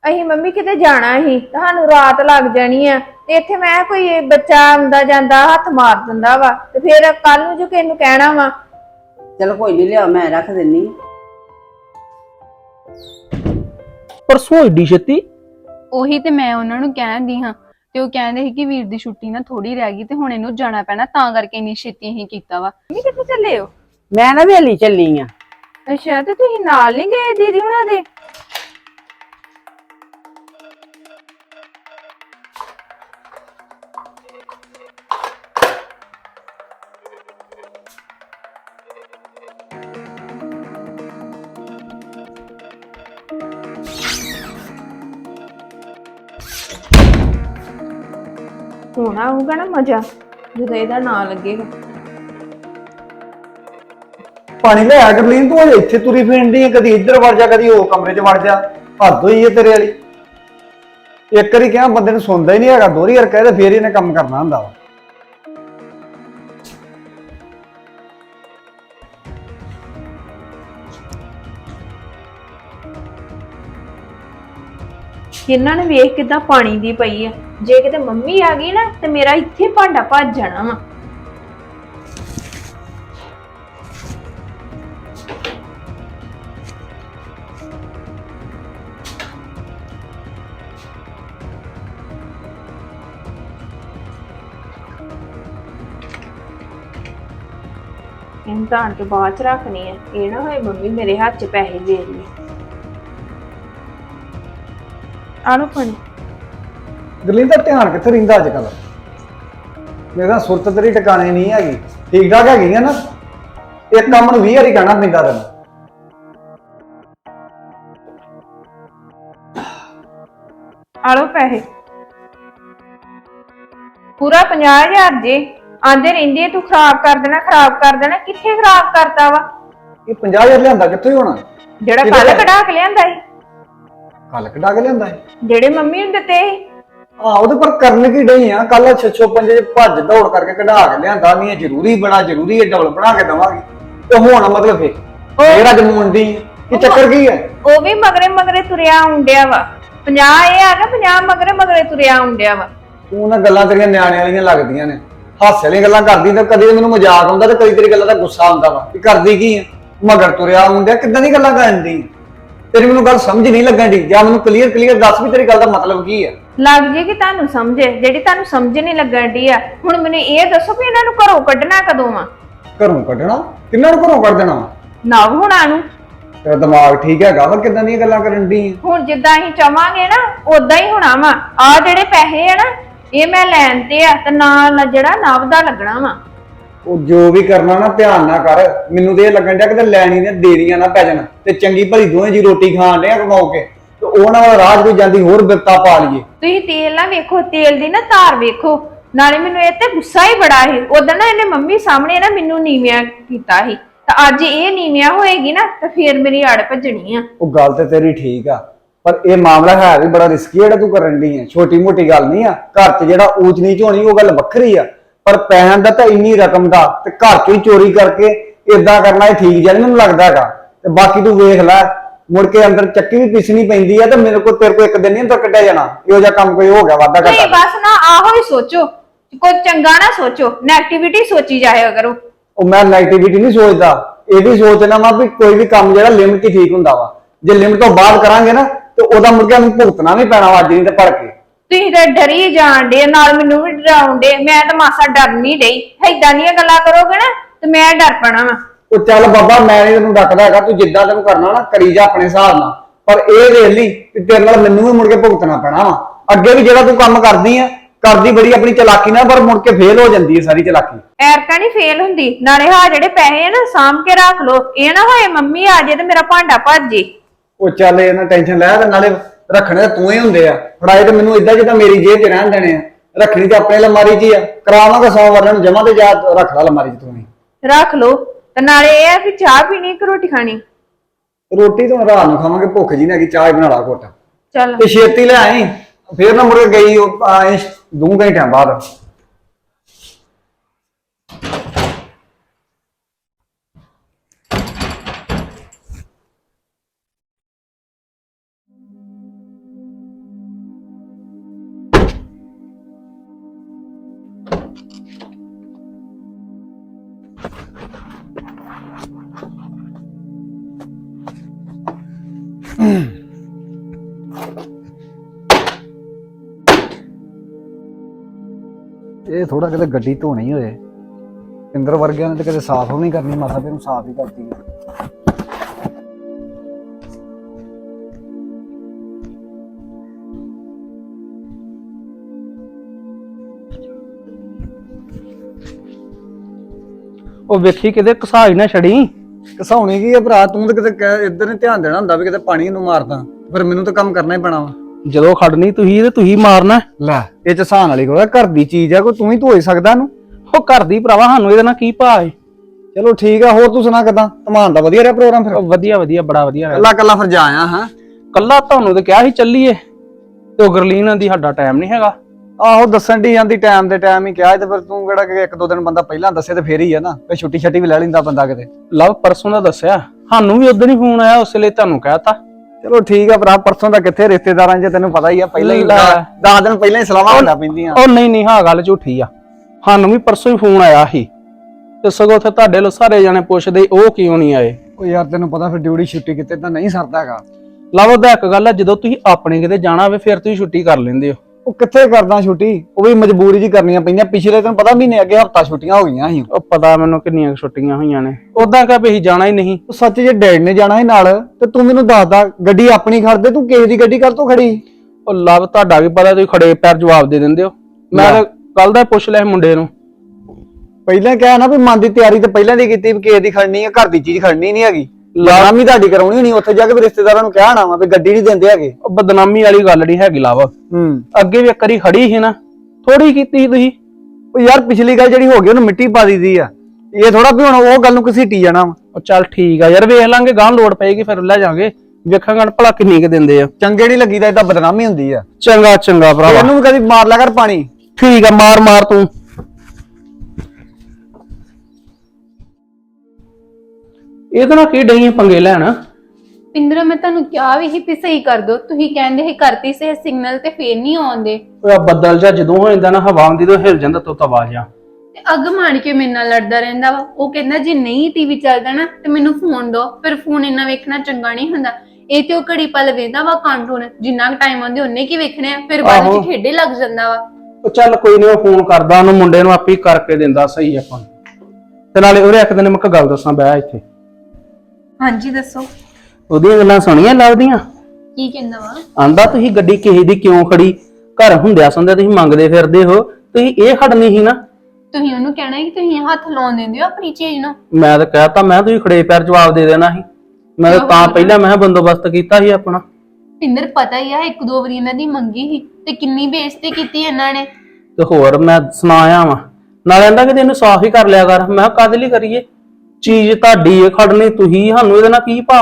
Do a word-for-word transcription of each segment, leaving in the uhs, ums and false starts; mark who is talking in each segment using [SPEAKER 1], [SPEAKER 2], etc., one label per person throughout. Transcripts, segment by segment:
[SPEAKER 1] ਅਸੀਂ ਮੰਮੀ ਕਿਤੇ ਜਾਣਾ ਸੀ, ਤੁਹਾਨੂੰ ਰਾਤ ਲੱਗ ਜਾਣੀ ਆ ਤੇ ਇੱਥੇ ਮੈਂ ਕੋਈ ਬੱਚਾ ਆਉਂਦਾ ਜਾਂਦਾ ਹੱਥ ਮਾਰ ਦਿੰਦਾ ਵਾ ਤੇ ਫਿਰ ਕੱਲ ਨੂੰ ਜੋ ਕਿਸੇ ਨੂੰ ਕਹਿਣਾ ਵਾ।
[SPEAKER 2] चलो कोई नहीं, लिया मैं रख देनी।
[SPEAKER 3] परसों एडी छेती?
[SPEAKER 4] ਉਹੀ ਤੇ ਮੈਂ ਉਹਨਾਂ ਨੂੰ ਕਹਿੰਦੀ ਹਾਂ ਤੇ ਉਹ ਕਹਿੰਦੇ ਸੀ ਕਿ ਵੀਰ ਦੀ ਛੁੱਟੀ ਨਾ ਥੋੜੀ ਰਹਿ ਗਈ ਤੇ ਹੁਣ ਇਹਨੂੰ ਜਾਣਾ ਪੈਣਾ, ਤਾਂ ਕਰਕੇ ਇੰਨੀ ਛੇਤੀ ਹੀ ਕੀਤਾ ਵਾ।
[SPEAKER 1] ਮੰਮੀ ਕਿੱਥੇ ਚੱਲੇ ਹੋ?
[SPEAKER 2] मैं ना वेली चली आ।
[SPEAKER 1] ਅੱਛਾ, ਤੇ ਤੁਸੀਂ ਨਾਲ ਨਹੀਂ ਗਏ ਦੀਦੀ ਹੁਣਾਂ ਦੇ? ਹੁਣ ਆਊਗਾ ਨਾ ਮਜ਼ਾ ਜਦੋਂ ਇਹਦਾ ਨਾਂ ਲੱਗੇਗਾ।
[SPEAKER 5] पानी ले आ कर लीन तू अजे इत्थे तुरी फिरदी है, कदी इधर वड़ जा कदी ओ कमरे च वड़ जा। हद होई है तेरे वाली। एक बारी क्या बंदे ने सुनदा ही नहीं हैगा, दोहरी यार कहे फिर इन्हें काम करना हुंदा वा।
[SPEAKER 1] ਇਹਨਾਂ ਨੇ ਵੇਖ ਕਿਦਾਂ ਪਾਣੀ ਦੀ ਪਈ ਆ, ਜੇ ਕਿਤੇ ਮੰਮੀ ਆ ਗਈ ਨਾ ਤੇ ਮੇਰਾ ਇੱਥੇ ਭਾਂਡਾ ਭੱਜ ਜਾਣਾ ਵਾ। ਇਹਨਾਂ ਤਾਂ ਕੇ ਬਾਅਦ ਚ ਰੱਖਣੀ ਆ, ਇਹ ਨਾ ਹੋਏ ਮੰਮੀ ਮੇਰੇ ਹੱਥ ਚ ਪੈਸੇ ਦੇ ਦੇ। ਆਲੋ ਪਾਣੀ।
[SPEAKER 5] गरलीन दा ध्यान कित्थे रहिंदा अजकल? मेरा सुरत तेरी टिकाने नहीं हैगी, ठीक ठाक हैगी है ना? एक काम नूं बीस वारी कहना पैंदा तैनूं।
[SPEAKER 1] आलो पैसे पूरा पंजाह हजार जे आंदे रहिंदे, तू खराब कर देना खराब कर देना। कित्थे खराब करता वा?
[SPEAKER 5] ये पचास हजार लियांदा कित्थों होना?
[SPEAKER 1] जेड़ा कल कढ़ा के लियांदा सी,
[SPEAKER 5] कल कढ़ा के लियांदा है
[SPEAKER 1] जेड़े मम्मी नूं दित्ते सी।
[SPEAKER 5] हाँ ਉਹਦੇ ਪਰ ਕਰਨ ਕੀ ਡਈ ਆ? ਕੱਲ ਛੱਛੋ ਪੰਜੇ ਭੱਜ ਦੌੜ ਕਰਕੇ ਕਢਾ ਕੇ ਲਿਆਂਦਾ, ਨਹੀਂ ਇਹ ਜ਼ਰੂਰੀ ਬੜਾ ਜ਼ਰੂਰੀ ਹੈ, ਡਬਲ ਬਣਾ ਕੇ ਦਵਾਂਗੀ ਤੇ ਹੁਣ ਮਤਲਬ ਫੇਰ ਫੇਰ ਅੱਜ ਮੁੰਡੀ ਕੀ ਚੱਕਰ ਕੀ ਹੈ?
[SPEAKER 1] ਉਹ ਵੀ ਮਗਰੇ ਮਗਰੇ ਤੁਰਿਆ ਆਉਂਦਿਆ ਵਾ। ਪੰਜਾਹ ਇਹ ਆ ਕਿ ਪੰਜਾਹ ਮਗਰੇ ਮਗਰੇ ਤੁਰਿਆ ਆਉਂਦਿਆ ਵਾ।
[SPEAKER 5] ਤੂੰ ਨਾ ਗੱਲਾਂ ਤੇਰੀਆਂ ਨਿਆਣੇ ਵਾਲੀਆਂ ਲੱਗਦੀਆਂ ਨੇ, ਹਾਸੇ ਵਾਲੀਆਂ ਗੱਲਾਂ ਕਰਦੀ ਤੇ ਕਦੀ ਮੈਨੂੰ ਮਜ਼ਾਕ ਆਉਂਦਾ ਤੇ ਕਦੀ ਤੇਰੀ ਗੱਲਾਂ ਦਾ ਗੁੱਸਾ ਆਉਂਦਾ ਵਾ ਕਿ ਕਰਦੀ ਕੀ ਆ, ਮਗਰ ਤੁਰਿਆ ਆਉਂਦਿਆ ਕਿੱਦਾਂ ਦੀ ਗੱਲਾਂ ਕਰਨ ਦੀ? ਤੇਰੀ ਮੈਨੂੰ ਗੱਲ ਸਮਝ ਨਹੀਂ ਲੱਗਣ ਦੀ, ਜਾਂ ਮੈਨੂੰ ਕਲੀਅਰ ਕਲੀਅਰ ਦੱਸ ਵੀ ਤੇਰੀ ਗੱਲ ਦਾ ਮਤਲਬ ਕੀ ਆ?
[SPEAKER 1] ਲੱਗ ਜੇ ਕਿ ਤੁਹਾਨੂੰ ਸਮਝੇ, ਜਿਹੜੀ ਤੁਹਾਨੂੰ ਸਮਝ ਨਹੀਂ ਲੱਗਣ ਦੀ ਆ। ਹੁਣ ਮੈਨੂੰ ਇਹ ਦੱਸੋ ਵੀ ਇਹਨਾਂ ਨੂੰ ਘਰੋਂ ਕੱਢਣਾ ਕਦੋਂ ਆ?
[SPEAKER 5] ਘਰੋਂ ਕੱਢਣਾ? ਕਿੰਨਾਂ ਨੂੰ ਘਰੋਂ ਕੱਢ ਦੇਣਾ ਵਾ?
[SPEAKER 1] ਨਵ ਹੁਣਾਂ ਨੂੰ।
[SPEAKER 5] ਤੇਰਾ ਦਿਮਾਗ ਠੀਕ ਹੈਗਾ ਵਾ? ਕਿੱਦਾਂ ਦੀਆਂ ਗੱਲਾਂ ਕਰਨ ਦੀ?
[SPEAKER 1] ਹੁਣ ਜਿੱਦਾਂ ਅਸੀਂ ਚਾਹਾਂਗੇ ਨਾ ਉਦਾਂ ਹੀ ਹੋਣਾ ਵਾ। ਆ ਜਿਹੜੇ ਪੈਸੇ ਆ ਨਾ ਇਹ ਮੈਂ ਲੈਣ ਤੇ ਆ ਤੇ ਨਾਲ ਜਿਹੜਾ ਨਵ ਦਾ ਲੱਗਣਾ ਵਾ।
[SPEAKER 5] ਉਹ ਜੋ ਵੀ ਕਰਨਾ ਨਾ ਧਿਆਨ ਨਾ ਕਰ, ਮੈਨੂੰ ਤੇ ਇਹ ਲੱਗਣ ਡਿਆ ਕਿ ਲੈਣੀ ਨੇ ਦੇਣੀਆਂ ਨਾ ਪੈ ਜਾਣ ਤੇ ਚੰਗੀ ਭਲੀ ਦੋਵੇਂ ਜੀ ਰੋਟੀ ਖਾਣ ਡਿਆ ਕਮਾਓ ਕੇ ਤੇ ਉਹ ਨਾਲ ਰਾਜ ਕੋਈ ਜਾਂਦੀ ਹੋਰ ਬਿਪਤਾ ਪਾ ਲਈਏ।
[SPEAKER 1] ਤੁਸੀਂ ਤੇਲ ਨਾ ਵੇਖੋ, ਤੇਲ ਦੀ ਨਾ ਧਾਰ ਵੇਖੋ। ਨਾਲੇ ਮੈਨੂੰ ਇਹ ਤੇ ਗੁੱਸਾ ਹੀ ਬੜਾ ਸੀ ਉਦੋਂ ਨਾ, ਇਹਨੇ ਮੰਮੀ ਸਾਹਮਣੇ ਨਾ ਮੈਨੂੰ ਨੀਵਿਆਂ ਕੀਤਾ ਸੀ ਤਾਂ ਅੱਜ ਇਹ ਨੀਵਿਆਂ ਹੋਏਗੀ ਨਾ ਤਾਂ ਫੇਰ ਮੇਰੀ ਅੜ ਭੱਜਣੀ ਆ।
[SPEAKER 5] ਉਹ ਗੱਲ ਤੇ ਤੇਰੀ ਠੀਕ ਆ, ਪਰ ਇਹ ਮਾਮਲਾ ਹੈ ਵੀ ਬੜਾ ਰਿਸਕੀ ਜਿਹੜਾ ਤੂੰ ਕਰਨ ਦੀ ਹੈ, ਛੋਟੀ ਮੋਟੀ ਗੱਲ ਨਹੀਂ ਆ। ਘਰ 'ਚ ਜਿਹੜਾ ਊਚ ਨੀਚ ਹੋਣੀ ਉਹ ਗੱਲ ਵੱਖਰੀ ਆ, ਪਰ ਪੈਸਿਆਂ ਦਾ ਤਾਂ ਇੰਨੀ ਰਕਮ ਦਾ ਤੇ ਘਰ 'ਚੋਂ ਹੀ ਚੋਰੀ ਕਰਕੇ ਏਦਾਂ ਕਰਨਾ ਇਹ ਠੀਕ ਜਿਹਾ ਨੀ ਮੈਨੂੰ ਲੱਗਦਾ ਹੈਗਾ। ਤੇ ਬਾਕੀ ਤੂੰ ਵੇਖ ਲੈ, ਮੁੜ ਕੇ ਅੰਦਰ ਚੱਕੀ ਵੀ ਪਿਸਣੀ ਪੈਂਦੀ ਆ ਤੇ ਮੇਰੇ ਕੋਲ ਤੇਰੇ ਕੋਲ ਇੱਕ ਦਿਨ ਨਹੀਂ ਅੰਦਰ ਕੱਢਿਆ ਜਾਣਾ। ਇਹੋ ਜਿਹਾ ਕੰਮ ਕੋਈ ਹੋ ਗਿਆ ਵਾਧਾ
[SPEAKER 1] ਨਹੀਂ
[SPEAKER 5] ਘਾਟਾ?
[SPEAKER 1] ਬਸ ਨਾ ਆਹੋ ਹੀ ਸੋਚੋ, ਕੋਈ ਚੰਗਾ ਨਾ ਸੋਚੋ, ਨੈਗੇਟਿਵਿਟੀ ਸੋਚੀ ਜਾਇਆ ਕਰੋ।
[SPEAKER 5] ਉਹ ਮੈਂ ਨੈਗੇਟਿਵਿਟੀ ਨਹੀਂ ਸੋਚਦਾ, ਇਹ ਵੀ ਸੋਚਣਾ ਵਾ ਵੀ ਕੋਈ ਵੀ ਕੰਮ ਜਿਹੜਾ ਲਿਮਟ ਹੀ ਠੀਕ ਹੁੰਦਾ ਵਾ। ਜੇ ਲਿਮਟ ਤੋਂ ਬਾਹਰ ਕਰਾਂਗੇ ਨਾ ਤੇ ਉਹਦਾ ਮੁੜ ਕੇ ਨੂੰ ਭੁਗਤਣਾ ਵੀ ਪੈਣਾ ਵਾ, ਅੱਜ ਨਹੀਂ ਤੇ ਭੜ ਕੇ।
[SPEAKER 1] ਤੁਸੀਂ ਤਾਂ ਡਰੀ ਜਾਣ ਡੇ, ਨਾਲ ਮੈਨੂੰ ਵੀ ਡਰਾਉਂਦੇ। ਮੈਂ ਤਾਂ ਮਾਸਾ ਡਰ ਨਹੀਂ ਡਈ। ਏਦਾਂ ਦੀਆਂ ਗੱਲਾਂ ਕਰੋਗੇ ਨਾ ਤੇ ਮੈਂ ਡਰ ਪੈਣਾ ਵਾ।
[SPEAKER 5] ਉਹ ਚੱਲ ਬਾਬਾ, ਮੈਂ ਨਹੀਂ ਤੈਨੂੰ ਡੱਕਦਾ ਹੈਗਾ, ਤੂੰ ਜਿੱਦਾਂ ਤੈਨੂੰ ਕਰਨਾ ਨਾ ਕਰੀ ਜਾ ਆਪਣੇ ਹਿਸਾਬ ਨਾਲ, ਪਰ ਇਹ ਵੇਖ ਲਈ ਕਿ ਤੇਰੇ ਨਾਲ ਮੈਨੂੰ ਵੀ ਮੁੜ ਕੇ ਭੁਗਤਣਾ ਪੈਣਾ ਵਾ। ਅੱਗੇ ਵੀ ਜਿਹੜਾ ਤੂੰ ਕੰਮ ਕਰਦੀ ਆ ਕਰਦੀ ਬੜੀ ਆਪਣੀ ਚਲਾਕੀ ਨਾਲ, ਪਰ ਮੁੜ ਕੇ ਫੇਲ ਹੋ ਜਾਂਦੀ ਹੈ ਸਾਰੀ ਚਲਾਕੀ।
[SPEAKER 1] ਐਰਕਾ ਨਹੀਂ ਫੇਲ ਹੁੰਦੀ। ਨਾਲੇ ਹਾਂ ਜਿਹੜੇ ਪੈਸੇ ਆ ਨਾ ਸਾਂਭ ਕੇ ਰੱਖ ਲੋ, ਇਹ ਨਾ ਹੋਏ ਮੰਮੀ ਆ ਜੇ ਤੇ ਮੇਰਾ ਭਾਂਡਾ ਭੱਜ ਜੇ।
[SPEAKER 5] ਉਹ ਚੱਲ ਇਹਨਾਂ ਟੈਨਸ਼ਨ ਲੈ, ਤੇ ਨਾਲੇ ਰੱਖਣੇ ਤਾਂ ਤੂੰ ਹੀ ਹੁੰਦੇ ਆ, ਫੜਾਏ ਤੇ ਮੈਨੂੰ ਇਦਾਂ ਜਿੱਦਾਂ ਮੇਰੀ ਜੇਬ 'ਚ ਰਹਿਣ ਦੇਣੇ ਆ। ਰੱਖਣੀ ਤਾਂ ਆਪਣੇ ਅਲਮਾਰੀ 'ਚ ਹੀ ਆ, ਕਰਾਵਾਂਗਾ ਸੋਮਵਾਰ ਨੂੰ ਜਮਾ ਤੇ ਜਾ ਰੱਖ ਲੈ ਅਲਮਾਰੀ 'ਚ ਤੂੰ ਹੀ।
[SPEAKER 1] ਰੱਖ ਲੋ। ਤੇ ਨਾਲੇ ਇਹ ਆ ਕਿ ਚਾਹ ਪੀਣੀ ਕਿ ਰੋਟੀ ਖਾਣੀ?
[SPEAKER 5] ਰੋਟੀ ਤਾਂ ਰਾਤ ਨੂੰ ਖਾਵਾਂਗੇ, ਭੁੱਖ ਜੀ ਨਹੀਂ ਹੈਗੀ, ਚਾਹ ਹੀ ਬਣਾ ਲਾ ਘੁੱਟ
[SPEAKER 1] ਚੱਲ
[SPEAKER 5] ਤੇ ਛੇਤੀ ਲੈ ਆਈ, ਫੇਰ ਨਾ ਮੁੜ ਕੇ ਗਈ ਉਹ ਆਏ ਦੋ ਘੰਟਿਆਂ ਬਾਅਦ। ਇਹ ਥੋੜਾ ਕਿਤੇ ਗੱਡੀ ਧੋਣੀ ਹੋਏ, ਇੰਦਰ ਵਰਗਿਆਂ ਨੇ ਤੇ ਕਿਤੇ ਸਾਫ਼ ਵੀ ਨਹੀਂ ਕਰਨੀ, ਮਾਤਾ ਤੇ ਨੂੰ ਸਾਫ਼ ਹੀ ਕਰਤੀ ਹੈ।
[SPEAKER 3] ਉਹ ਵੇਖੀ ਕਿਤੇ ਘਸਾ ਹੀ ਨਾ ਛੜੀ।
[SPEAKER 5] ਘਸਾਉਣੀ ਕੀ ਹੈ ਭਰਾ, ਤੂੰ ਤਾਂ ਕਿਤੇ ਕਹਿ- ਇੱਧਰ ਨੀ ਧਿਆਨ ਦੇਣਾ ਹੁੰਦਾ ਵੀ ਕਿਤੇ ਪਾਣੀ ਨੂੰ ਮਾਰਦਾ, ਫਿਰ ਮੈਨੂੰ ਤਾਂ ਕੰਮ ਕਰਨਾ ਹੀ ਪੈਣਾ ਵਾ।
[SPEAKER 3] ਜਦੋਂ ਖੜਨੀ ਤੁਸੀਂ ਤੇ ਤੁਸੀਂ ਮਾਰਨਾ।
[SPEAKER 5] ਲੈ ਇਹ ਚ ਹਸਾਨ ਵਾਲੀ ਕੋਲ ਘਰ ਦੀ ਚੀਜ਼ ਆ, ਕੋਈ ਤੂੰ ਹੀ ਧੋ ਹੀ ਸਕਦਾ ਇਹਨੂੰ।
[SPEAKER 3] ਉਹ ਘਰ ਦੀ ਭਰਾਵਾ, ਸਾਨੂੰ ਇਹਦੇ ਨਾਲ ਕੀ ਭਾ ਏ।
[SPEAKER 5] ਚਲੋ ਠੀਕ ਆ, ਹੋਰ ਤੂੰ ਸੁਣਾ ਕਿਦਾਂ? ਧਮਾਨ ਦਾ ਵਧੀਆ ਰਿਹਾ ਪ੍ਰੋਗਰਾਮ ਫਿਰ?
[SPEAKER 3] ਉਹ ਵਧੀਆ ਵਧੀਆ, ਬੜਾ ਵਧੀਆ ਰਿਹਾ।
[SPEAKER 5] ਕੱਲਾ ਕੱਲਾ ਫਿਰ ਜਾ ਆਇਆ ਹਾਂ?
[SPEAKER 3] ਕੱਲਾ ਤੁਹਾਨੂੰ ਤੇ ਕਿਹਾ ਸੀ ਚੱਲੀਏ, ਤੇ ਉਹ ਗਰਲੀਨ ਆਂਦੀ ਸਾਡਾ ਟਾਈਮ ਨਹੀਂ ਹੈਗਾ।
[SPEAKER 5] ਆਹੋ ਦੱਸਣ ਦੀ ਜਾਂਦੀ ਟਾਈਮ ਦੇ ਟਾਈਮ ਹੀ ਕਿਹਾ, ਤੇ ਫਿਰ ਤੂੰ ਕਿਹੜਾ ਕਿ ਇੱਕ ਦੋ ਦਿਨ ਬੰਦਾ ਪਹਿਲਾਂ ਦੱਸੇ ਤੇ ਫੇਰ ਹੀ ਆ ਨਾ, ਤੇ ਛੁੱਟੀ ਛੱਟੀ ਵੀ ਲੈ ਲੈਂਦਾ ਬੰਦਾ ਕਿਤੇ।
[SPEAKER 3] ਲਵ ਪਰਸੋਂ ਦਾ ਦੱਸਿਆ, ਸਾਨੂੰ ਵੀ ਉਦੋਂ ਹੀ ਫੋਨ ਆਇਆ, ਉਸ ਲਈ ਤੁਹਾਨੂੰ ਕਹਿਤਾ।
[SPEAKER 5] ਚਲੋ ਠੀਕ ਆ ਭਰਾ, ਪਰਸੋਂ ਦਾ ਕਿੱਥੇ, ਰਿਸ਼ਤੇਦਾਰਾਂ 'ਚ ਤੈਨੂੰ ਪਤਾ ਹੀ ਆ, ਪਹਿਲਾਂ ਹੀ
[SPEAKER 3] ਲੈ।
[SPEAKER 5] ਦਸ ਦਿਨ ਪਹਿਲਾਂ ਹੀ ਸਲਾਹਾਂ ਹੁੰਦਾ ਪੈਂਦੀਆਂ।
[SPEAKER 3] ਉਹ ਨਹੀਂ ਨਹੀਂ, ਹਾਂ ਗੱਲ ਝੂਠੀ ਆ, ਸਾਨੂੰ ਵੀ ਪਰਸੋਂ ਹੀ ਫੋਨ ਆਇਆ ਸੀ, ਤੇ ਸਗੋਂ ਉੱਥੇ ਤੁਹਾਡੇ ਲੋ ਸਾਰੇ ਜਾਣੇ ਪੁੱਛਦੇ ਉਹ ਕਿਉਂ ਨਹੀਂ ਆਏ।
[SPEAKER 5] ਉਹ ਯਾਰ ਤੈਨੂੰ ਪਤਾ ਫਿਰ ਡਿਊਟੀ ਛੁੱਟੀ ਕਿਤੇ ਤਾਂ ਨਹੀਂ ਸਰਦਾ ਹੈਗਾ।
[SPEAKER 3] ਲਵ ਉਹਦਾ ਇੱਕ ਗੱਲ ਆ, ਜਦੋਂ ਤੁਸੀਂ ਆਪਣੇ ਕਿਤੇ ਜਾਣਾ ਹੋਵੇ ਫਿਰ ਤੁਸੀਂ ਛੁੱਟੀ ਕਰ ਲੈਂਦੇ ਹੋ।
[SPEAKER 5] ਉਹ ਕਿੱਥੇ ਕਰਦਾ ਛੁੱਟੀ, ਉਹ ਵੀ ਮਜਬੂਰੀ ਜੀ ਕਰਨੀਆਂ ਪਈਆਂ। ਪਿਛਲੇ ਤੈਨੂੰ ਪਤਾ ਮਹੀਨੇ ਅੱਗੇ ਹਫਤਾ ਛੁੱਟੀਆਂ ਹੋ ਗਈਆਂ ਸੀ।
[SPEAKER 3] ਉਹ ਪਤਾ ਮੈਨੂੰ ਕਿੰਨੀਆਂ ਕੁ ਛੁੱਟੀਆਂ ਹੋਈਆਂ ਨੇ, ਉਦਾਂ ਕਹ ਵੀ ਅਸੀਂ ਜਾਣਾ ਹੀ ਨਹੀਂ।
[SPEAKER 5] ਉਹ ਸੱਚ ਜੇ ਡੈਡ ਨੇ ਜਾਣਾ ਸੀ ਨਾਲ, ਤੇ ਤੂੰ ਮੈਨੂੰ ਦੱਸਦਾ, ਗੱਡੀ ਆਪਣੀ ਖੜਦੇ, ਤੂੰ ਕਿਸੇ ਦੀ ਗੱਡੀ ਕਰ ਤੂੰ ਖੜੀ।
[SPEAKER 3] ਉਹ ਲਵ ਤੁਹਾਡਾ ਵੀ ਪਤਾ, ਤੁਸੀਂ ਖੜੇ ਪੈਰ ਜਵਾਬ ਦੇ ਦਿੰਦੇ ਹੋ। ਮੈਂ ਤਾਂ ਕੱਲ ਦਾ ਪੁੱਛ ਲਿਆ ਮੁੰਡੇ ਨੂੰ,
[SPEAKER 5] ਪਹਿਲਾਂ ਕਿਹਾ ਨਾ ਵੀ ਮਨ ਦੀ ਤਿਆਰੀ ਤੇ ਪਹਿਲਾਂ ਦੀ ਕੀਤੀ, ਵੀ ਕਿਸੇ ਦੀ ਖੜਨੀ ਹੈ, ਘਰ ਦੀ ਚੀਜ਼ ਖੜਨੀ ਨਹੀਂ ਹੈਗੀ। ਲਾਮੀ ਤੁਹਾਡੀ ਕਰਾਉਣੀ ਹੋਣੀ, ਉੱਥੇ ਜਾ ਕੇ ਵੀ ਰਿਸ਼ਤੇਦਾਰਾਂ ਨੂੰ ਕਹਿਣਾ ਵਾ ਵੀ ਗੱਡੀ ਨਹੀਂ ਦਿੰਦੇ ਹੈਗੇ।
[SPEAKER 3] ਉਹ ਬਦਨਾਮੀ ਵਾਲੀ ਗੱਲ ਨਹੀਂ ਹੈਗੀ ਲਵ।
[SPEAKER 5] ਹੂੰ
[SPEAKER 3] ਅੱਗੇ ਵੀ ਇੱਕ ਵਾਰੀ ਖੜੀ ਸੀ ਨਾ, ਥੋੜੀ ਕੀਤੀ ਸੀ ਤੁਸੀਂ।
[SPEAKER 5] ਉਹ ਯਾਰ ਪਿਛਲੀ ਗੱਲ ਜਿਹੜੀ ਹੋ ਗਈ ਉਹਨੂੰ ਮਿੱਟੀ ਪਾ ਦਿੱਤੀ ਆ, ਇਹ ਥੋੜਾ ਵੀ ਹੁਣ ਉਹ ਗੱਲ ਨੂੰ ਘਸੀਟੀ ਜਾਣਾ ਵਾ।
[SPEAKER 3] ਉਹ ਚੱਲ ਠੀਕ ਆ ਯਾਰ, ਵੇਖ ਲਾਂਗੇ ਗਾਂ ਲੋੜ ਪਏਗੀ ਫਿਰ ਲੈ ਜਾਾਂਗੇ, ਵੇਖਾਂਗੇ ਭਲਾ ਕਿੰਨੀ ਕੁ ਦਿੰਦੇ ਆ।
[SPEAKER 5] ਚੰਗੇ ਨਹੀਂ ਲੱਗੀਦਾ, ਏਦਾਂ ਬਦਨਾਮੀ ਹੁੰਦੀ ਆ।
[SPEAKER 3] ਚੰਗਾ ਚੰਗਾ ਭਰਾਵਾ,
[SPEAKER 5] ਇਹਨੂੰ ਵੀ ਕਦੀ ਮਾਰ ਲਿਆ ਕਰ ਪਾਣੀ।
[SPEAKER 3] ਠੀਕ ਆ, ਮਾਰ ਮਾਰ ਤੂੰ। ਇਹਦੇ ਨਾਲ ਕੀ ਡਈਆਂ ਪੰਗੇ ਲੈਣ?
[SPEAKER 4] ਪਿੰਦਰ ਮੈਂ ਤੁਹਾਨੂੰ ਕਿਹਾ ਵੀ ਸੀ ਵੀ ਸਹੀ ਕਰ ਦੋ, ਤੁਸੀਂ ਕਹਿੰਦੇ ਸੀ ਕਰਤੀ ਸੇ ਸਿਗਨਲ ਤੇ ਫੇਰ ਨਹੀਂ ਆਉਂਦੇ।
[SPEAKER 3] ਉਹ ਬੱਦਲ ਜਾਂ ਜਦੋਂ ਹੋ ਜਾਂਦਾ ਨਾ, ਹਵਾ ਆਉਂਦੀ ਤਾਂ ਹਿਲ ਜਾਂਦਾ ਤੋਂ ਤਵਾ ਜਾ।
[SPEAKER 4] ਤੇ ਅੱਗ ਮਾਣ ਕੇ ਮੇਰੇ ਨਾਲ ਲੜਦਾ ਰਹਿੰਦਾ ਵਾ। ਉਹ ਕਹਿੰਦਾ ਜੇ ਨਹੀਂ ਟੀਵੀ ਚੱਲਦਾ ਨਾ ਤੇ ਮੈਨੂੰ ਫੋਨ ਦੋ, ਫਿਰ ਫੋਨ ਇੰਨਾ ਵੇਖਣਾ ਚੰਗਾ ਨਹੀਂ ਹੁੰਦਾ। ਇਹ ਤੇ ਉਹ ਘੜੀ ਪਲ ਵੇਂਦਾ ਵਾ ਕਾਰਟੂਨ, ਜਿੰਨਾ ਕੁ ਟਾਈਮ ਆਉਂਦੇ ਉਹਨੇ ਕੀ ਵੇਖਣੇ ਆ, ਫਿਰ ਬਾਅਦ ਵਿੱਚ ਖੇਡੇ ਲੱਗ ਜਾਂਦਾ ਵਾ।
[SPEAKER 3] ਉਹ ਚੱਲ ਕੋਈ ਨਹੀਂ, ਉਹ ਫੋਨ ਕਰਦਾ ਉਹਨੂੰ, ਮੁੰਡੇ ਨੂੰ ਆਪੇ ਕਰਕੇ ਦਿੰਦਾ ਸਹੀ ਆਪਾਂ। ਤੇ ਨਾਲੇ ਉਹਨੇ ਇੱਕ ਦਿਨ ਮੈਂ ਇੱਕ ਗੱਲ ਦੱਸਾਂ, ਬਹਿ ਇੱਥੇ।
[SPEAKER 4] ਹਾਂਜੀ ਦੱਸੋ,
[SPEAKER 3] ਉਹਦੀਆਂ ਗੱਲਾਂ ਸੁਣੀਆਂ ਲੱਗਦੀਆਂ।
[SPEAKER 4] ਕੀ ਕਹਿੰਦਾ ਵਾ?
[SPEAKER 3] ਆਂਦਾ ਤੁਸੀਂ ਗੱਡੀ ਕਿਸੇ ਦੀ ਕਿਉਂ ਖੜੀ, ਘਰ ਹੁੰਦਿਆ ਸੰਦਿਆ ਤੁਸੀਂ ਮੰਗਦੇ ਫਿਰਦੇ ਹੋ, ਤੁਸੀਂ ਇਹ ਖੜਨੀ ਸੀ ਨਾ।
[SPEAKER 4] ਤੁਸੀਂ ਉਹਨੂੰ ਕਹਿਣਾ ਕਿ ਤੁਸੀਂ ਹੱਥ ਲਾਉਣ ਦਿੰਦੇ ਹੋ ਆਪਣੀ ਚੀਜ਼ ਨੂੰ।
[SPEAKER 3] ਮੈਂ ਤਾਂ ਕਹਿਤਾ, ਮੈਂ ਤੁਸੀਂ ਖੜੇ ਪੈਰ ਜਵਾਬ ਦੇ ਦੇਣਾ ਸੀ। ਮੈਂ ਤਾਂ ਪਹਿਲਾਂ ਮੈਂ ਬੰਦੋਬਸਤ ਕੀਤਾ ਸੀ ਆਪਣਾ।
[SPEAKER 4] ਪਿੰਦਰ ਪਤਾ ਹੀ ਆ, ਇੱਕ ਦੋ ਵਾਰੀ ਇਹਨਾਂ ਦੀ ਮੰਗੀ ਸੀ ਤੇ ਕਿੰਨੀ ਬੇਇੱਜ਼ਤੀ ਕੀਤੀ ਇਹਨਾਂ ਨੇ।
[SPEAKER 3] ਤੇ ਹੋਰ ਮੈਂ ਸੁਣਾਇਆ ਵਾ, ਨਾਲ ਕਹਿੰਦਾ ਕਿ ਇਹਨੂੰ ਸਾਫ਼ ਹੀ ਕਰ ਲਿਆ ਕਰ। ਮੈਂ ਕਾਹਦੇ ਲਈ ਕਰੀਏ, ਚੀਜ਼ ਤੁਹਾਡੀ ਹੈ ਖੜਨੀ, ਤੁਸੀਂ ਸਾਨੂੰ ਇਹਦੇ ਨਾਲ ਕੀ ਭਾ।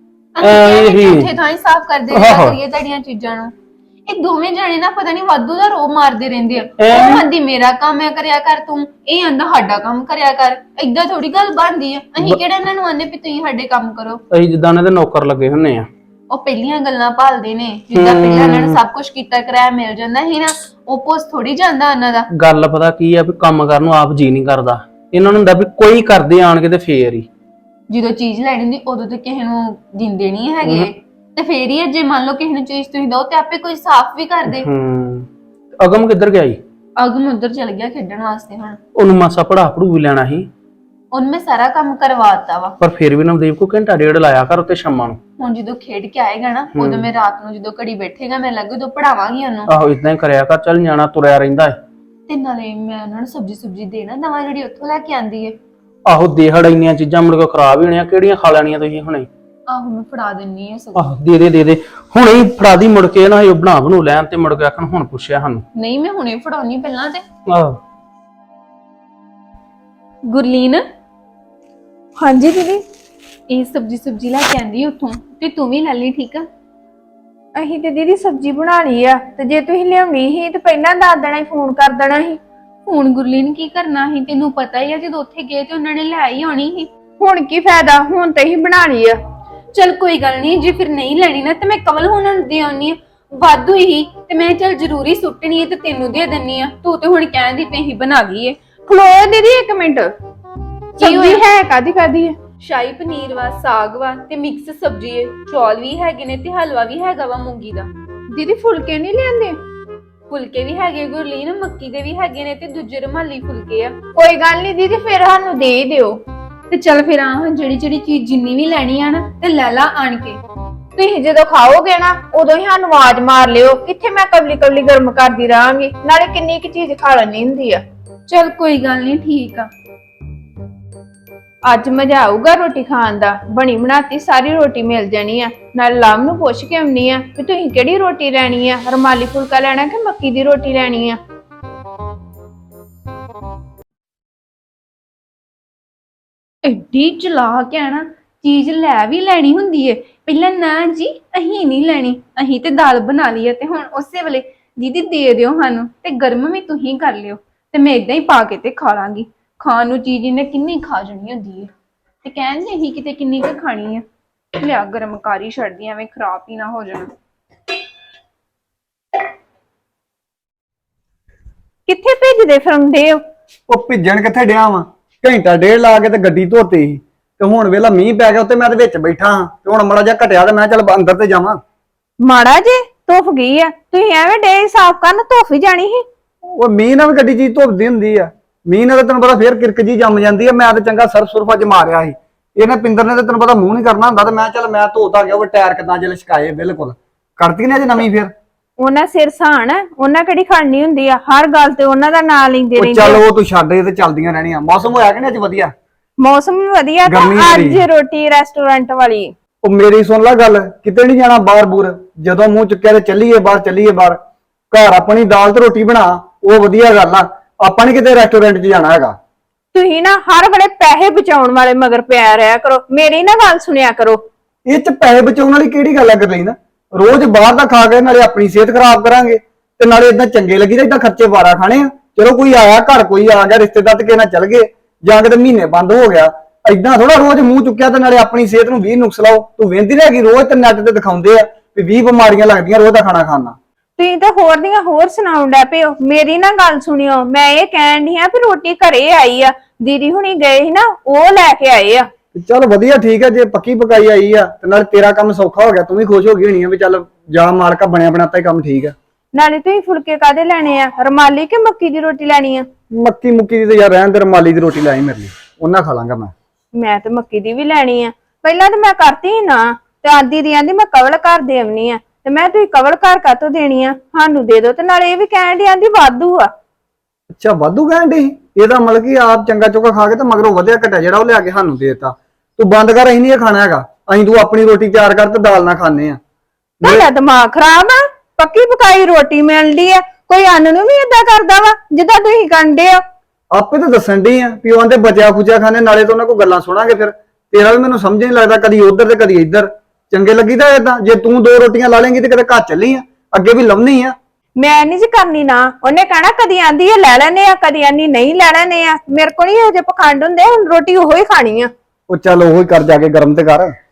[SPEAKER 4] ਉੱਥੇ ਥਾਂ ਹੀ ਸਾਫ਼ ਕਰਦੇ ਰਹਿਆ ਕਰੀਏ ਤੁਹਾਡੀਆਂ ਚੀਜ਼ਾਂ ਨੂੰ। ਇਹ ਦੋਵੇਂ ਜਾਣੇ ਨਾ ਪਤਾ ਨਹੀਂ ਵਾਧੂ ਦਾ ਰੋ ਮਾਰਦੇ ਰਹਿੰਦੇ ਆ। ਉਹ ਆਂਦੀ ਮੇਰਾ ਕੰਮ ਹੈ ਕਰਿਆ ਕਰ ਤੂੰ, ਇਹ ਆਂਦਾ ਸਾਡਾ ਕੰਮ ਕਰਿਆ ਕਰ। ਏਦਾਂ ਥੋੜੀ ਗੱਲ ਬਣਦੀ ਆ। ਅਸੀਂ ਕਿਹੜਾ ਇਹਨਾਂ ਨੂੰ ਆਂਦੇ ਵੀ ਤੁਸੀਂ ਸਾਡੇ ਕੰਮ ਕਰੋ।
[SPEAKER 3] ਅਸੀਂ ਜਿੱਦਾਂ ਇਹਨਾਂ ਦੇ ਨੌਕਰ ਲੱਗੇ ਹੁੰਨੇ ਆ।
[SPEAKER 4] ਉਹ ਪਹਿਲੀਆਂ ਗੱਲਾਂ ਭਾਲਦੇ ਨੇ, ਜਿੱਦਾਂ ਪਹਿਲਾਂ ਇਹਨਾਂ ਨੇ ਸਭ ਕੁਝ ਕੀਤਾ ਕਰਾਇਆ ਮਿਲ ਜਾਂਦਾ ਸੀ ਨਾ, ਉਹ ਪੋਸ ਥੋੜੀ ਜਾਂਦਾ ਉਹਨਾਂ ਦਾ।
[SPEAKER 3] ਗੱਲ ਪਤਾ ਕੀ ਆ, ਵੀ ਕੰਮ ਕਰਨ ਨੂੰ ਆਪ ਜੀ ਨਹੀਂ ਕਰਦਾ। ਇਹਨਾਂ ਨੂੰ ਹੁੰਦਾ ਵੀ ਕੋਈ ਕਰਦੇ ਆਣ ਕੇ ਤੇ ਫੇਰ ਹੀ।
[SPEAKER 4] ਜਦੋਂ ਚੀਜ਼ ਲੈਣੀ ਹੁੰਦੀ ਉਦੋਂ ਤੇ ਕਿਸੇ ਨੂੰ ਦਿੰਦੇ ਨਹੀਂ ਹੈਗੇ, ਤੇ ਫੇਰ ਹੀ ਜੇ ਮੰਨ ਲਓ ਕਿਸੇ ਨੂੰ ਚੀਜ਼ ਤੁਸੀਂ ਦੋ ਤੇ ਆਪੇ ਕੋਈ ਸਾਫ਼ ਵੀ ਕਰ ਦੇ।
[SPEAKER 3] ਹੂੰ ਅਗਮ ਕਿੱਧਰ ਗਿਆ ਜੀ?
[SPEAKER 4] ਅਗਮ ਉਧਰ ਚਲ ਗਿਆ ਖੇਡਣ ਵਾਸਤੇ। ਹੁਣ
[SPEAKER 3] ਉਹਨੂੰ ਮਾਸਾ ਪੜਾ ਪੜੂ ਵੀ ਲੈਣਾ ਸੀ।
[SPEAKER 4] ਉਹਨੂੰ ਮੈਂ ਸਾਰਾ ਕੰਮ ਕਰਵਾਤਾ ਵਾ,
[SPEAKER 3] ਪਰ ਫਿਰ ਵੀ ਨਵਦੀਪ ਕੋ ਘੰਟਾ ਡੇਢ ਲਾਇਆ ਕਰ ਉੱਤੇ ਸ਼ਾਮਾਂ ਨੂੰ।
[SPEAKER 4] ਹੁਣ ਜਦੋਂ ਖੇਡ ਕੇ ਆਏਗਾ ਨਾ, ਉਦੋਂ ਮੈਂ ਰਾਤ ਨੂੰ ਜਦੋਂ ਘੜੀ ਬੈਠੇਗਾ ਮੈਂ ਲੱਗੇ ਉਦੋਂ ਪੜਾਵਾਂਗੀ ਉਹਨੂੰ।
[SPEAKER 3] ਆਹੋ ਇਦਾਂ ਹੀ ਕਰਿਆ ਕਰ, ਚੱਲ ਨਿਆਣਾ ਤੁਰਿਆ ਰਹਿੰਦਾ ਹੈ।
[SPEAKER 4] ਤੇ ਨਾਲੇ ਮੈਂ ਉਹਨਾਂ ਨੂੰ ਸਬਜੀ ਸੁਬਜੀ ਦੇਣਾ ਦਵਾ ਜਿਹੜੀ ਉੱਥੋਂ ਲੈ ਕੇ ਆਂਦੀ ਏ।
[SPEAKER 3] ਆਹੋ ਦੇਹੜ ਇੰਨੀਆਂ ਚੀਜ਼ਾਂ ਮੁੜ ਕੇ ਖਰਾਬ ਹੀ ਹੋਣੀਆਂ, ਕਿਹੜੀਆਂ ਖਾ ਲੈਣੀਆਂ ਤੁਸੀਂ ਹੁਣੇ?
[SPEAKER 4] ਆਹੋ ਮੈਂ ਫੜਾ ਦਿੰਨੀ ਆ ਸਭ।
[SPEAKER 3] ਆਹ ਦੇ ਦੇ ਦੇ ਦੇ ਹੁਣੇ ਹੀ ਫੜਾ ਦੀ, ਮੁੜ ਕੇ ਨਾ ਇਹ ਬਣਾ ਬਣੂ ਲੈਣ ਤੇ ਮੁੜ ਕੇ ਆਖਣ ਹੁਣ ਪੁੱਛਿਆ ਸਾਨੂੰ।
[SPEAKER 4] ਨਹੀਂ ਮੈਂ ਹੁਣੇ ਫੜਾਉਣੀ ਪਹਿਲਾਂ ਤੇ।
[SPEAKER 3] ਆਹੋ
[SPEAKER 4] ਗੁਰਲੀਨ,
[SPEAKER 1] ਹਾਂਜੀ ਦੀਦੀ।
[SPEAKER 4] ਇਹ ਸਬਜੀ ਸੁਬਜੀ ਲੈ ਕੇ ਆਂਦੀ ਉੱਥੋਂ, ਤੇ ਤੂੰ ਵੀ ਲੈ ਲਈ, ਠੀਕ ਆ?
[SPEAKER 1] ਅਸੀਂ ਤੇ ਦੀਦੀ ਸਬਜ਼ੀ ਬਣਾ ਲਈ ਆ, ਤੇ ਜੇ ਤੁਸੀਂ ਲਿਆਉਣੀ ਸੀ ਤੇ ਪਹਿਲਾਂ ਦੱਸ ਦੇਣਾ ਸੀ, ਫੋਨ ਕਰ ਦੇਣਾ ਸੀ।
[SPEAKER 4] ਹੁਣ ਗੁਰਲੀਨ ਕੀ ਕਰਨਾ ਸੀ, ਤੈਨੂੰ ਪਤਾ ਹੀ ਆ ਜਦੋਂ ਉੱਥੇ ਗਏ ਤੇ ਉਹਨਾਂ ਨੇ ਲੈ ਹੀ ਆਉਣੀ ਸੀ।
[SPEAKER 1] ਹੁਣ ਕੀ ਫਾਇਦਾ, ਹੁਣ ਤੇ ਹੀ ਬਣਾ ਲਈ ਆ।
[SPEAKER 4] ਚਲ ਕੋਈ ਗੱਲ ਨਹੀਂ, ਜੇ ਫਿਰ ਨਹੀਂ ਲੈਣੀ ਨਾ ਤੇ ਮੈਂ ਕਵਲ ਉਹਨਾਂ ਨੂੰ ਦੇ ਆਉਣੀ ਆ। ਵਾਧੂ ਹੀ ਤੇ ਮੈਂ ਚੱਲ ਜ਼ਰੂਰੀ ਸੁੱਟਣੀ ਹੈ ਤੇ ਤੈਨੂੰ ਦੇ ਦਿੰਨੀ ਆ। ਤੂੰ ਤੇ ਹੁਣ ਕਹਿੰਦੀ ਪਈ ਹੀ ਬਣਾ ਲਈ ਏ।
[SPEAKER 1] ਖਲੋ ਦੀਦੀ ਇੱਕ ਮਿੰਟ, ਸਬਜ਼ੀ
[SPEAKER 4] ਹੋਇਆ?
[SPEAKER 1] ਹੈ ਕਾਦੀ ਕਾਦੀ ਹੈ?
[SPEAKER 4] ਸ਼ਾਹੀ ਪਨੀਰ ਵਾ, ਸਾਗ ਵਾ ਤੇ ਮਿਕਸ ਸਬਜ਼ੀ ਏ, ਚੌਲ ਵੀ ਹੈਗੇ ਨੇ ਤੇ ਹਲਵਾ ਵੀ ਹੈਗਾ ਵਾ ਮੂੰਗੀ ਦਾ।
[SPEAKER 1] ਦੀਦੀ ਫੁਲਕੇ ਨਹੀਂ ਲਿਆਂਦੇ?
[SPEAKER 4] ਫੁਲਕੇ ਵੀ ਹੈਗੇ ਗੁਰਲੀਨ, ਮੱਕੀ ਦੇ ਵੀ ਹੈਗੇ ਨੇ ਤੇ ਦੂਜੇ ਰੁਮਾਲੀ ਫੁਲਕੇ ਆ।
[SPEAKER 1] ਕੋਈ ਗੱਲ ਨਹੀਂ ਦੀਦੀ, ਫਿਰ ਸਾਨੂੰ ਦੇ ਹੀ ਦਿਓ।
[SPEAKER 4] ਤੇ ਚੱਲ ਫਿਰ ਆ ਜਿਹੜੀ ਜਿਹੜੀ ਚੀਜ਼ ਜਿੰਨੀ ਵੀ ਲੈਣੀ ਆ ਨਾ ਤੇ ਲੈ ਲਾ ਆਣ ਕੇ।
[SPEAKER 1] ਤੁਸੀਂ ਜਦੋਂ ਖਾਓਗੇ ਨਾ ਉਦੋਂ ਹੀ ਸਾਨੂੰ ਆਵਾਜ਼ ਮਾਰ ਲਿਓ, ਕਿੱਥੇ ਮੈਂ ਕਵਲੀ ਕਵਲੀ ਗਰਮ ਕਰਦੀ ਰਹਾਂਗੀ, ਨਾਲੇ ਕਿੰਨੀ ਕੁ ਚੀਜ਼ ਖਾ ਲੈਣੀ ਹੁੰਦੀ ਆ।
[SPEAKER 4] ਚੱਲ ਕੋਈ ਗੱਲ ਨਹੀਂ, ਠੀਕ ਆ।
[SPEAKER 1] ਅੱਜ ਮਜ਼ਾ ਆਊਗਾ ਰੋਟੀ ਖਾਣ ਦਾ, ਬਣੀ ਬਣਾਤੀ ਸਾਰੀ ਰੋਟੀ ਮਿਲ ਜਾਣੀ ਆ। ਨਾਲ ਲਾਮ ਨੂੰ ਪੁੱਛ ਕੇ ਆਉਣੀ ਆ ਕਿ ਤੁਸੀਂ ਕਿਹੜੀ ਰੋਟੀ ਲੈਣੀ ਆ, ਰੁਮਾਲੀ ਫੁਲਕਾ ਲੈਣਾ ਕਿ ਮੱਕੀ ਦੀ ਰੋਟੀ ਲੈਣੀ ਆ।
[SPEAKER 4] ਐਡੀ ਚਲਾਕ ਹੈ ਨਾ, ਚੀਜ਼ ਲੈ ਵੀ ਲੈਣੀ ਹੁੰਦੀ ਏ। ਪਹਿਲਾਂ ਨਾ ਜੀ ਅਹੀਂ ਨਹੀਂ ਲੈਣੀ, ਅਹੀਂ ਤੇ ਦਾਲ ਬਣਾ ਲਈ ਹੈ ਤੇ ਹੁਣ ਉਸੇ ਵੇਲੇ ਦੀਦੀ ਦੇ ਦਿਓ ਸਾਨੂੰ ਤੇ ਗਰਮ ਵੀ ਤੁਸੀਂ ਕਰ ਲਿਓ ਤੇ ਮੈਂ ਇਦਾਂ ਹੀ ਪਾ ਕੇ ਤੇ ਖਾ ਲਾਂਗੀ। ਖਾਣ ਨੂੰ ਚੀਜ਼ ਇਹਨੇ ਕਿੰਨੀ ਖਾ ਜਾਣੀ ਹੁੰਦੀ ਏ ਤੇ ਕਹਿੰਦੇ ਹੀ ਕਿਤੇ ਕਿੰਨੀ ਕੁ ਖਾਣੀ ਆ। ਲਿਆ ਗਰਮ ਕਾਰੀ ਛੱਡਦੀ ਐਵੇਂ ਖਰਾਬ ਹੀ ਨਾ ਹੋ ਜਾਣ।
[SPEAKER 1] ਕਿੱਥੇ ਭੇਜਦੇ ਫਿਰਦੇ ਹੋ?
[SPEAKER 5] ਉਹ ਭਿੱਜਣ ਕਿੱਥੇ ਡਿਆ ਵਾਂ, ਘੰਟਾ ਡੇਢ ਲਾ ਕੇ ਤੇ ਗੱਡੀ ਧੋਤੀ ਸੀ ਤੇ ਹੁਣ ਵੇਲਾ ਮੀਂਹ ਪੈ ਗਿਆ ਉੱਤੇ, ਮੈਂ ਤੇ ਵਿੱਚ ਬੈਠਾ ਹਾਂ ਤੇ ਹੁਣ ਮੜਾ ਜਿਹਾ ਘਟਿਆ ਤੇ ਮੈਂ ਚੱਲ ਅੰਦਰ ਤੇ ਜਾਵਾਂ।
[SPEAKER 1] ਮਾੜਾ ਜੇ ਧੁੱਪ ਗਈ ਆ, ਤੁਸੀਂ ਐਵੇਂ ਡੇ ਸਾਫ਼ ਕਰਨ, ਧੁੱਪ ਹੀ ਜਾਣੀ ਸੀ।
[SPEAKER 5] ਉਹ ਮੀਂਹ ਨਾਲ ਵੀ ਗੱਡੀ ਚੀਜ਼ ਧੁੱਪਦੀ ਹੁੰਦੀ ਆ, ਮੀਂਹ ਨਾਲ ਤਾਂ ਤੈਨੂੰ ਪਤਾ ਫੇਰ ਕਿਰਕ ਜੀ ਜੰਮ ਜਾਂਦੀ ਆ। ਮੈਂ ਤੇ ਚੰਗਾ ਸਰਫ ਸੁਰਫ ਅੱਜ ਮਾਰਿਆ ਸੀ, ਇਹਨੇ ਪਿੰਦਰ ਨੇ ਤੇ ਤੈਨੂੰ ਪਤਾ ਮੂੰਹ ਨਹੀਂ ਕਰਨਾ ਹੁੰਦਾ ਤੇ ਮੈਂ ਚੱਲ ਮੈਂ ਧੋਤਾ ਗਿਆ ਉਹ ਟਾਇਰ ਕਿਦਾਂ ਜਿ ਲਸ਼ਕਾਏ ਬਿਲਕੁਲ ਕਰਤੀ ਨੇ ਅੱਜ ਨਵੀਂ ਫੇਰ।
[SPEAKER 1] ਉਹਨਾਂ ਸਿਰ ਸਾਣ, ਉਹਨਾਂ ਕਿਹੜੀ ਖੜਨੀ ਹੁੰਦੀ ਆ, ਹਰ ਗੱਲ ਤੇ ਉਹਨਾਂ ਦਾ ਨਾਂ ਲੈਂਦੇ
[SPEAKER 5] ਉਹ
[SPEAKER 1] ਰਹਿੰਦੇ
[SPEAKER 5] ਚੱਲ
[SPEAKER 1] ਆ।
[SPEAKER 5] ਉਹ ਤੂੰ ਛੱਡ, ਇਹ ਤੇ ਚੱਲਦੀਆਂ ਰਹਿਣੀਆਂ। ਮੌਸਮ ਹੋਇਆ ਕਿ ਨਹੀਂ ਅੱਜ ਵਧੀਆ?
[SPEAKER 1] ਮੌਸਮ ਵੀ ਵਧੀਆ ਤੇ
[SPEAKER 5] ਗਰਮੀ
[SPEAKER 1] ਅੱਜ
[SPEAKER 5] ਬੜੀ।
[SPEAKER 1] ਰੋਟੀ ਰੈਸਟੋਰੈਂਟ ਵਾਲੀ।
[SPEAKER 5] ਉਹ ਮੇਰੀ ਸੁਣ ਲੈ ਗੱਲ, ਕਿਤੇ ਨਹੀਂ ਜਾਣਾ ਬਾਹਰ ਬੂਰ, ਜਦੋਂ ਮੂੰਹ ਚੁੱਕਿਆ ਤੇ ਚੱਲੀਏ ਬਾਹਰ, ਚੱਲੀਏ ਬਾਹਰ। ਘਰ ਆਪਣੀ ਦਾਲ ਤੇ ਰੋਟੀ ਬਣਾ, ਉਹ ਵਧੀਆ ਗੱਲ ਆ। ਆਪਾਂ ਨੀ ਕਿਤੇ ਰੈਸਟੋਰੈਂਟ 'ਚ ਜਾਣਾ ਹੈਗਾ।
[SPEAKER 1] ਤੁਸੀਂ ਨਾ ਹਰ ਵੇਲੇ ਪੈਸੇ ਬਚਾਉਣ ਵਾਲੇ ਮਗਰ ਪਿਆ ਰਿਹਾ ਕਰੋ, ਮੇਰੀ ਨਾ ਗੱਲ ਸੁਣਿਆ ਕਰੋ।
[SPEAKER 5] ਇਹ 'ਚ ਪੈਸੇ ਬਚਾਉਣ ਵਾਲੀ ਕਿਹੜੀ ਗੱਲ ਆ ਕਰ ਲਈ ਨਾ? ਰੋਜ਼ ਬਾਹਰ ਦਾ ਖਾ ਕੇ ਨਾਲੇ ਆਪਣੀ ਸਿਹਤ ਖਰਾਬ ਕਰਾਂਗੇ ਤੇ ਨਾਲੇ ਇਦਾਂ ਚੰਗੇ ਲੱਗੀ ਤਾਂ ਇਦਾਂ ਖਰਚੇ ਵਾਰਾ ਖਾਣੇ ਆ। ਚਲੋ ਕੋਈ ਆਇਆ ਘਰ, ਕੋਈ ਆ ਗਿਆ ਰਿਸ਼ਤੇਦਾਰ ਤੇ ਕਿਸੇ ਨਾਲ ਚੱਲ ਗਏ, ਜਾਂ ਕਿਤੇ ਮਹੀਨੇ ਬੰਦ ਹੋ ਗਿਆ। ਏਦਾਂ ਥੋੜਾ ਰੋਜ਼ ਮੂੰਹ ਚੁੱਕਿਆ ਤੇ ਨਾਲੇ ਆਪਣੀ ਸਿਹਤ ਨੂੰ ਵੀਹ ਨੁਕਸ ਲਾਓ। ਤੂੰ ਵੇਂਦੀ ਰਹਿ ਗਈ, ਰੋਜ਼ ਤੇ ਨੈਟ ਤੇ ਦਿਖਾਉਂਦੇ ਆ ਵੀ ਵੀਹ ਬਿਮਾਰੀਆਂ ਲੱਗਦੀਆਂ ਰੋਜ਼ ਦਾ ਖਾਣਾ ਖਾਣ ਨਾਲ।
[SPEAKER 1] ਤੁਸੀਂ ਤਾਂ ਹੋਰ ਦੀਆਂ ਹੋਰ ਸੁਣਾਉਣ ਡੈ ਪਏ ਹੋ, ਮੇਰੀ ਨਾ ਗੱਲ ਸੁਣਿਓ। ਮੈਂ ਇਹ ਕਹਿਣ ਡਈ ਆ ਵੀ ਰੋਟੀ ਘਰੇ ਆਈ ਆ, ਦੀਦੀ ਹੁਣੀ ਗਏ ਸੀ ਨਾ, ਉਹ ਲੈ ਕੇ ਆਏ ਆ।
[SPEAKER 5] ਚੱਲ ਵਧੀਆ, ਠੀਕ ਹੈ। ਜੇ ਪੱਕੀ ਪਕਾਈ ਆਈ ਆ ਤੇ ਨਾਲ ਤੇਰਾ ਕੰਮ ਸੌਖਾ ਹੋ ਗਿਆ, ਤੂੰ ਵੀ ਖੁਸ਼ ਹੋ ਗਈ ਹੋਣੀ ਆ ਵੀ ਚੱਲ ਜਾ ਮਾਲਕਾ ਬਣਿਆ ਬਣਾਤਾ ਹੀ ਕੰਮ ਠੀਕ ਆ।
[SPEAKER 1] ਨਾਲੇ ਤੁਸੀਂ ਫੁਲਕੇ ਕਾਦੇ ਲੈਣੇ ਆ, ਰੁਮਾਲੀ ਕਿ ਮੱਕੀ ਦੀ ਰੋਟੀ ਲੈਣੀ ਆ?
[SPEAKER 5] ਮੱਕੀ ਮੁੱਕੀ ਦੀ ਤੇ ਯਾਰ ਰਹਿਣ ਦੇ, ਰੁਮਾਲੀ ਦੀ ਰੋਟੀ ਲਾਈ ਮੇਰੇ ਲਈ, ਉਹਨਾਂ ਖਾ ਲਾਂਗਾ ਮੈਂ।
[SPEAKER 1] ਮੈਂ ਤੇ ਮੱਕੀ ਦੀ ਵੀ ਲੈਣੀ ਆ। ਪਹਿਲਾਂ ਤੇ ਮੈਂ ਕਰਤੀ ਨਾ, ਤੇ ਆਂਦੀ ਦੀ ਆਂਦੀ ਮੈਂ ਕਵਲ ਘਰ ਦੇਵਨੀ ਆ, ਤੇ ਮੈਂ ਤੁਸੀਂ ਕਵਲ ਘਰ ਕਾਤੋਂ ਦੇਣੀ ਆ, ਸਾਨੂੰ ਦੇ ਦਿਓ। ਤੇ ਨਾਲੇ ਇਹ ਵੀ ਕਹਿਣ ਦੀ ਆਂਦੀ ਵਾਧੂ ਆ।
[SPEAKER 5] ਅੱਛਾ ਵਾਧੂ ਕਹਿਣ ਡਈ? ਇਹਦਾ ਮਤਲਬ ਕਿ ਆਪ ਚੰਗਾ ਚੋਕਾ ਖਾ ਕੇ ਤੇ ਮਗਰੋਂ ਵਧਿਆ ਘਟਿਆ ਜਿਹੜਾ ਉਹ ਲਿਆ ਕੇ ਸਾਨੂੰ ਦੇਤਾ। ਤੂੰ ਬੰਦ ਕਰ, ਅਸੀਂ ਨਹੀਂ ਇਹ ਖਾਣਾ ਹੈਗਾ। ਅਸੀਂ ਤੂੰ ਆਪਣੀ ਰੋਟੀ ਤਿਆਰ ਕਰ ਤੇ ਦਾਲ ਨਾਲ ਖਾਣੇ ਆ।
[SPEAKER 1] ਤੁਹਾਡਾ ਦਿਮਾਗ ਖਰਾਬ ਆ, ਪੱਕੀ ਪਕਾਈ ਰੋਟੀ ਮਿਲਦੀ ਆ, ਕੋਈ ਅੰਨ ਨੂੰ ਵੀ ਏਦਾਂ ਕਰਦਾ ਵਾ ਜਿੱਦਾਂ ਤੁਸੀਂ ਕਰਦੇ ਹੋ।
[SPEAKER 5] ਆਪੇ ਤਾਂ ਦੱਸਣ ਡਈ ਆ ਵੀ ਉਹ ਆਂਦੇ ਬਚਿਆ ਖੁਚਿਆ ਖਾਣੇ, ਨਾਲੇ ਤਾਂ ਉਹਨਾਂ ਕੋਲ ਗੱਲਾਂ ਸੁਣਾਂਗੇ। ਫਿਰ ਤੇਰਾ ਵੀ ਮੈਨੂੰ ਸਮਝ ਨਹੀਂ ਲੱਗਦਾ, ਕਦੀ ਉਧਰ ਤੇ ਕਦੀ ਇੱਧਰ। ਚੰਗੇ ਲੱਗੀਦਾ ਏਦਾਂ? ਜੇ ਤੂੰ ਦੋ ਰੋਟੀਆਂ ਲਾ ਲੇਂਗੀ ਤੇ ਕਦੇ ਘਰ ਚੱਲੀ ਆ, ਅੱਗੇ ਵੀ ਲਾਉਣੀ ਆ।
[SPEAKER 1] ਮੈਂ ਨਹੀਂ ਜੀ ਕਰਨੀ ਨਾ, ਉਹਨੇ ਕਹਿਣਾ ਕਦੀ ਆਂਦੀ ਆ ਲੈ ਲੈਨੇ ਆ, ਕਦੀ ਆਂਦੀ ਨਹੀਂ ਲੈ ਲੈਨੇ ਆ। ਮੇਰੇ ਕੋਲ ਨਹੀਂ ਇਹੋ ਜਿਹੇ ਪਖੰਡ ਹੁੰਦੇ, ਹੁਣ ਰੋਟੀ ਉਹੋ ਹੀ ਖਾਣੀ ਆ।
[SPEAKER 5] ਉਹ ਚੱਲ ਉਹੀ ਕਰ, ਜਾ ਕੇ ਗਰਮ ਤੇ ਕਰ।